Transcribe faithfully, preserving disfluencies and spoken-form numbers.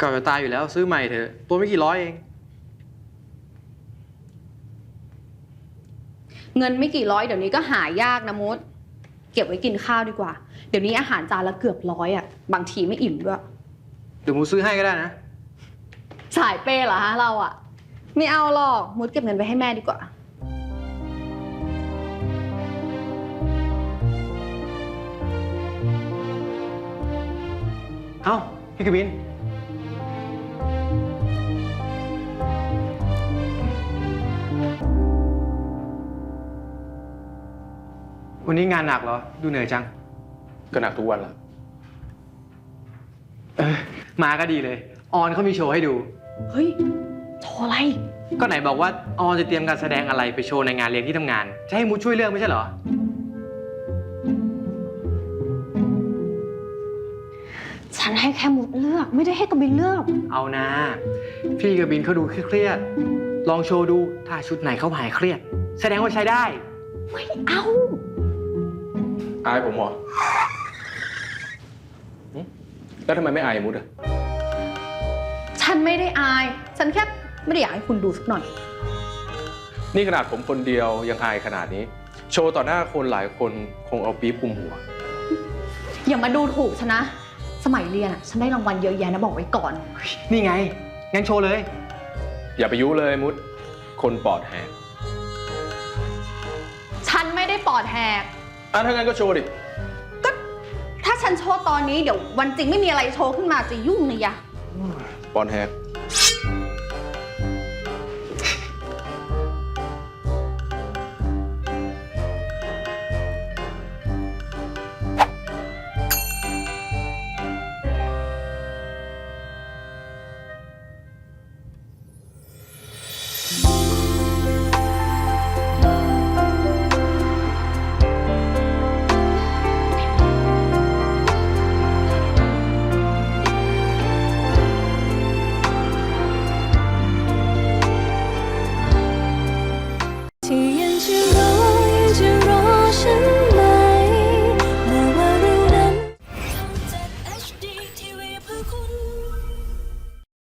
ก่าจะตายอยู่แล้วซื้อใหม่เถอะตัวไม่กี่ร้อยเองเงินไม่กี่ร้อยเดี๋ยวนี้ก็หายากนะมุดเก็บไว้กินข้าวดีกว่าเดี๋ยวนี้อาหารจานละเกือบร้อยอ่ะบางทีไม่อิ่มด้วยเดี๋ยวมูซื้อให้ก็ได้นะสายเปย์เหรอฮะเราอ่ะไม่เอาหรอกมุดเก็บเงินไปให้แม่ดีกว่าเอ้าพี่กบินวันนี้งานหนักเหรอดูเหนื่อยจังก็หนักทุกวันละเออมาก็ดีเลยออนเขามีโชว์ให้ดูเฮ้ยโชว์อะไรก็ไหนบอกว่าออนจะเตรียมการแสดงอะไรไปโชว์ในงานเลี้ยงที่ทำงานจะให้มูช่วยเลือกไม่ใช่เหรอฉันให้แค่มุดเลือกไม่ได้ให้กบินเลือกเอานะพี่กบินเขาดูเครียดลองโชว์ดูถ้าชุดไหนเขาหายเครียดแสดงว่าใช้ได้ไม่เอาอายผมเหรอแล้วทำไมไม่อายมุดอะฉันไม่ได้อายฉันแค่ไม่ได้อยากให้คุณดูสักหน่อยนี่ขนาดผมคนเดียวยังอายขนาดนี้โชว์ต่อหน้าคนหลายคนคงเอาปี๊บคุมหัวอย่ามาดูถูกฉันนะสมัยเรียนอะฉันได้รางวัลเยอะแยะนะบอกไว้ก่อนนี่ไงงั้นโชว์เลยอย่าไปยุเลยมุดคนปอดแหกฉันไม่ได้ปอดแหกอ่ะถ้างั้นก็โชว์ดิก็ถ้าฉันโชว์ตอนนี้เดี๋ยววันจริงไม่มีอะไรโชว์ขึ้นมาจะยุ่งเลยยะปอดแหก